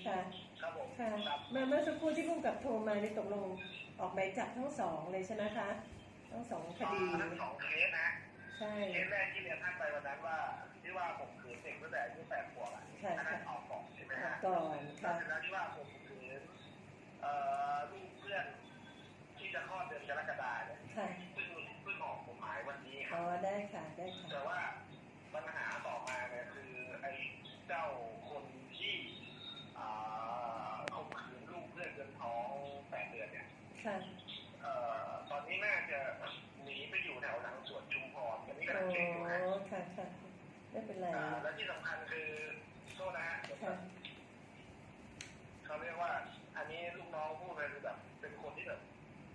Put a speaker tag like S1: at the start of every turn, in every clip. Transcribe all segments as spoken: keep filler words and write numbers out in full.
S1: ค่ะ
S2: ครับผม
S1: ค่ะเมื่อเมื่อสักครู่ที่ผู้กำกับโทรมาในตกลงออกหมายจับทั้งสองเลยใช่ไหมคะทั้งสองคดี
S2: ทั้งสองเคสนะ
S1: ใช่
S2: เคสแรกที่เรียนท่านไปวันนั้นว่าที่ว่าผมขืนเด็กตั้งแต่อายุแปดขวบอ่ะอันนั้นออกก่อนใช่ไหมฮะ
S1: ก่อนค่ะ
S2: แล้วที่ว่าผมขืนเอ่อลูกเพื่อนที่จะคลอดเดือนกรกฎาเนี่ยซึ่งเพิ่งออกกฎหมายวันนี้ครั
S1: บอ๋อได้ค่ะได้ค่ะ
S2: แต่ว่าปัญหาต่อมาเนี่ยคือไอ้เจ้าคนที่อ่าข่มขืนลูกเพื่อนจนท้องแปดเดือนเนี่ย
S1: ค่ะ
S2: เอ่อตอนนี้น่าจะหนีไปอยู่แถวหลังสวนชุมพรอันนี้กำลังเช็คอยู่นะ
S1: อ๋อค่ะค่ะไม่เป็นไร
S2: และที่สำคัญคือโทษนะฮะเขาเรียกว่าอันนี้ลูกน้องพูดเลยคือแบบเป็นคนที่แบบ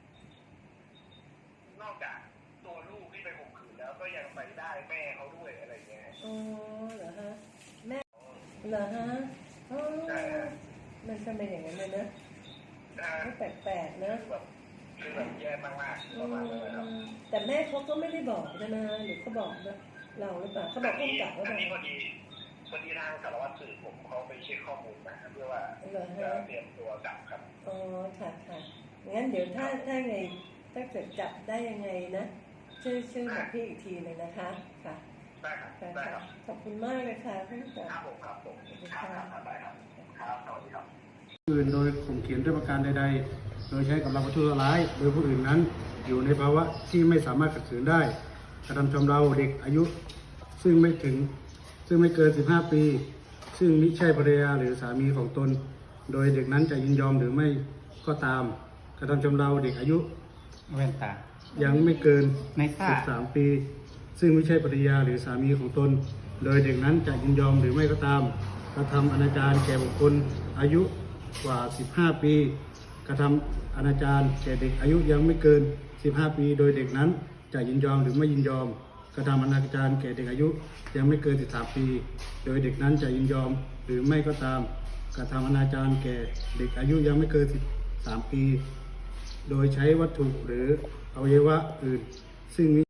S2: นอกจากตัวลูกที่ไปข่มขืนแล้วก็ยังไปได้แม่เขาด้วยอะไรเงี้ย
S1: อ๋อเหรอฮะแม่เหรอฮะอ๋อมันจะเป็นอย่างนั้นเลยนะไม่แปลกๆนะ
S2: คือแบบแย่มากๆประมาณนั้นครับ
S1: แต่แม่เขาก็ไม่ได้บอกใช่ไหมหรือเขาบอกนะเราหรือเปล่าเขาบอกผู้กำกับว่าอัน
S2: นี้พอดีพอดีทางสารวัตรสืบผมเขาไปเช็คข้อมูลมาเพื่อว่าจะเตรียมตัวจับครับ
S1: อ๋อค่ะค่ะงั้นเดี๋ยวถ้าถ้าไงถ้าเกิดจับได้ยังไงนะชื่อชื่อบอกพี่อีกทีเลยนะคะค่ะ
S2: ได้ครับได้ครับ
S1: ขอบคุณมากเลยค่ะท่านผู้กำกับ
S2: ครับผมครับผมครับได้ครับครับสวัสดีครับ
S3: อื่นโดยข่มขืนด้วยประการใดๆโดยใช้กำลังประทุษร้ายโดยผู้อื่นนั้นอยู่ในภาวะที่ไม่สามารถขัดขืนได้กระทำชำเราเด็กอายุซึ่งไม่ถึงซึ่งไม่เกินสิบห้าปีซึ่งมิใช่ภรรยาหรือสามีของตนโดยเด็กนั้นจะยินยอมหรือไม่ก็ตามกระทำชำเราเด็กอายุ
S4: แว่นตา
S3: ยังไม่เกิน
S4: สิบ
S3: สามปีซึ่งไม่ใช่ภรรยาหรือสามีของตนโดยเด็กนั้นจะยินยอมหรือไม่ก็ตามกระทำอนาจารแก่บุคคลอายุกว่าสิบห้าปีกระทำอนาจารแก่เด็กอายุยังไม่เกินสิบห้าปีโดยเด็กนั้นจะยินยอมหรือไม่ยินยอมกระทำอนาจารแก่เด็กอายุยังไม่เกินสิบสามปีโดยเด็กนั้นจะยินยอมหรือไม่ก็ตามกระทำอนาจารแก่เด็กอายุยังไม่เกินสิบสามปีโดยใช้วัตถุหรืออวัยวะอื่นซึ่ง